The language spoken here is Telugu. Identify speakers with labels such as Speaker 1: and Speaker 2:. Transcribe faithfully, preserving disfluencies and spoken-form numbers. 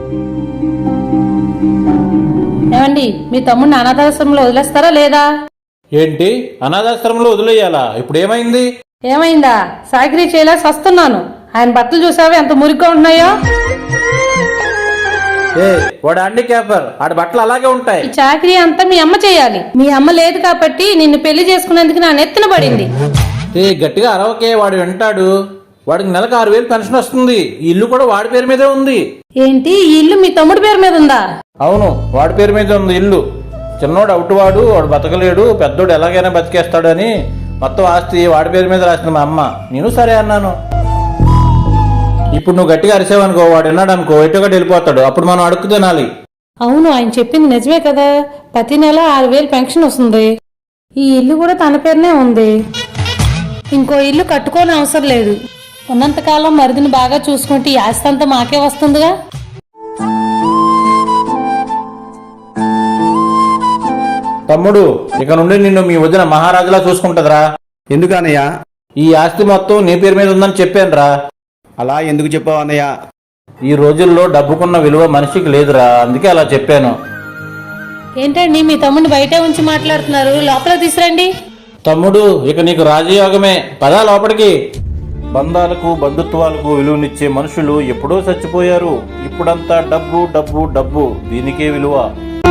Speaker 1: ఏమండి, మీ తమ్ముడిని అనాథాశ్రమంలో వదిలేస్తారా లేదా?
Speaker 2: ఏంటి, అనాథాశ్రమంలో వదిలేయాలా? ఇప్పుడు ఏమైంది?
Speaker 1: ఏమైందా? సాకిరీ చేయలేక వస్తున్నాను. ఆయన బట్టలు చూసావా ఎంత మురిగ్గా ఉన్నాయో?
Speaker 2: ఏ వాడు హ్యాండిక్యాపర్, ఆడి బట్టలు అలాగే ఉంటాయి.
Speaker 1: ఈ చాకరీ అంతా మీ అమ్మ చేయాలి. మీ అమ్మ లేదు కాబట్టి నిన్ను పెళ్లి చేసుకునేందుకు నా నెత్తిన పడింది.
Speaker 2: ఏ గట్టిగా అరవకే, వాడు వింటాడు. వాడికి నెలకు ఆరు వేలు పెన్షన్ వస్తుంది. ఈ ఇల్లు కూడా వాడి పేరు మీదే ఉంది.
Speaker 1: ఏంటి, ఈ ఇల్లు మీ తమ్ముడి పేరు మీద ఉందా?
Speaker 2: అవును, వాడి పేరు మీద ఉంది ఇల్లు. చిన్నోడు అవుటువాడు, వాడు బతకలేడు, పెద్దోడు ఎలాగైనా బతికేస్తాడు అని మొత్తం ఆస్తి వాడి పేరు మీద రాసింది మా అమ్మ. నేను సరే అన్నాను. ఇప్పుడు నువ్వు గట్టిగా అరిసావనుకో, వాడు విన్నాడు అనుకో, ఎటుగట్టు వెళ్ళిపోతాడు. అప్పుడు మనం అడుక్కు తినాలి.
Speaker 1: అవును, ఆయన చెప్పింది నిజమే కదా. ప్రతి నెల ఆరు వేలు పెన్షన్ వస్తుంది. ఈ ఇల్లు కూడా తన పేరునే ఉంది. ఇంకో ఇల్లు కట్టుకోని అవసరం లేదు. ఉన్నంతకాలం మరిదిని బాగా చూసుకుంటే ఈ ఆస్తి అంతా మాకే వస్తుందిగా.
Speaker 2: తమ్ముడు, ఇక నుండి నిన్ను మీ వదిన మహారాజులా చూసుకుంటదిరా.
Speaker 3: ఎందుకన్నయ్య?
Speaker 2: ఈ ఆస్తి మొత్తం నీ పేరు మీద ఉందని చెప్పానురా.
Speaker 3: అలా ఎందుకు చెప్పావు అన్నయ్య?
Speaker 2: ఈ రోజుల్లో డబ్బుకున్న విలువ మనిషికి లేదురా, అందుకే అలా చెప్పాను.
Speaker 1: ఏంటండి, మీ తమ్ముడిని బయటే ఉంచి మాట్లాడుతున్నారు? లోపల తీసురండి.
Speaker 2: తమ్ముడు, ఇక నీకు రాజయోగమే. పదా లోపలికి. బంధాలకు బంధుత్వాలకు విలువనిచ్చే మనుషులు ఎప్పుడో చచ్చిపోయారు. ఇప్పుడంతా డబ్బు డబ్బు డబ్బు, దీనికే విలువ.